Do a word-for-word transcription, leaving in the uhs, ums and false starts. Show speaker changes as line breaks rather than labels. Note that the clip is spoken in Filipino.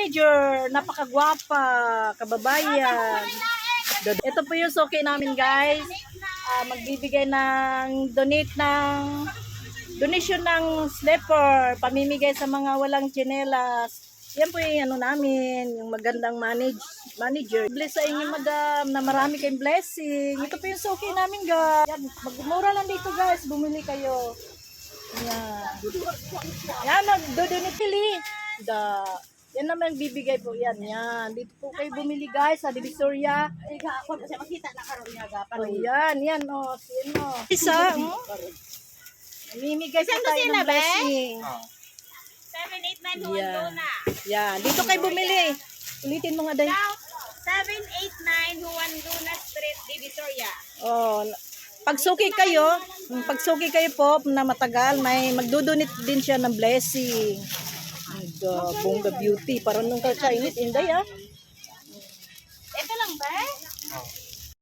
manager, napakagwapa, kababayan. Ito po yung suki namin guys. Uh, magbibigay ng donate ng donation ng slipper, pamimigay sa mga walang tsinelas. Yan po yung ano namin, yung magandang manage, manager. Bless sa inyo madam, na marami kayong blessing. Ito po yung suki namin guys. Yan, magmura lang dito guys, bumili kayo. Yan. Yan, nagdodonate pili. Da. Yan naman bibigay po yan. Yan. Dito po kayo bumili guys sa Divisoria.
Ako kasi makita na karon nga gapan.
Oh, yan, yan oh, sino. Isa, oh. Namimigay po tayo ng blessing.
seven eight nine
Yan.
Juan Luna.
Yan, dito kayo bumili. Ulitin mo nga day.
seven eight nine Juan Luna Street, Divisoria.
Oh, pagsuki kayo, pagsuki kayo po na matagal, may magdudunit din siya ng blessing. The Bongga Beauty, parang nung ka-Chinese, inday ah.
Ito lang ba?